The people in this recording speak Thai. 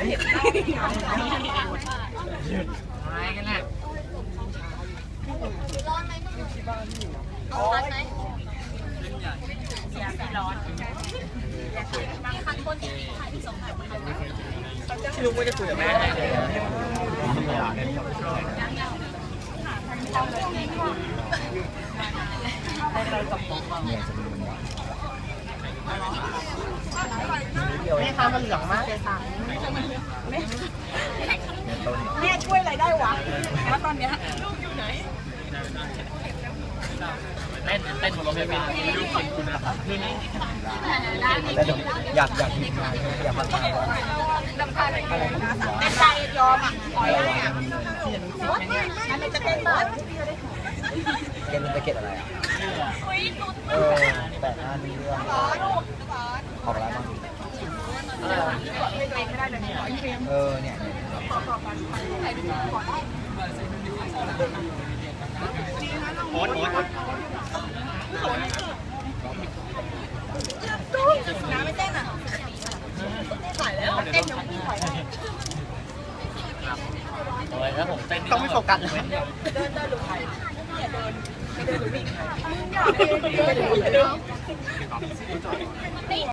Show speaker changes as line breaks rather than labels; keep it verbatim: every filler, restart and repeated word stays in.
เห็นอะไรกันน่ะร้อนไหมร้อนไหมอย่าไปร้อนบางครั้งคนที่ถ่ายที่ส่งถ่ายไม่รู้ว่าจะคุยกับแม่ได้เลยแม่ค้ามันเหลืองมากเลยสั่งแม่ช่วยอะไรได้วะแล้วตอนเนี้ยลูกอยู่ไหนเต้นเต้นบนรถไฟฟ้าลูกคนคุณนะครับแต่อยากอยากทีมงานอยากมาทำดำคาอะไรแต่ใจยอมอ่ะถอยได้อ่ะอันนี้จะเต้นเปิดเกมจะเก็ตอะไรอ่ะเออแต่หน้านี้เรื่องออกอะไรบ้างเออเนี่ยโอ๊ตโอ๊ตน้ำไม่เต้นอ่ะถ่ายแล้วเต้นยังไม่ถ่ายเลยแล้วผมเต้นต้องไม่โฟกัสเลยเดินเดินหรือใครอย่าเดินไม่เดินหรือวิ่งอย่าเดินอย่าเดิน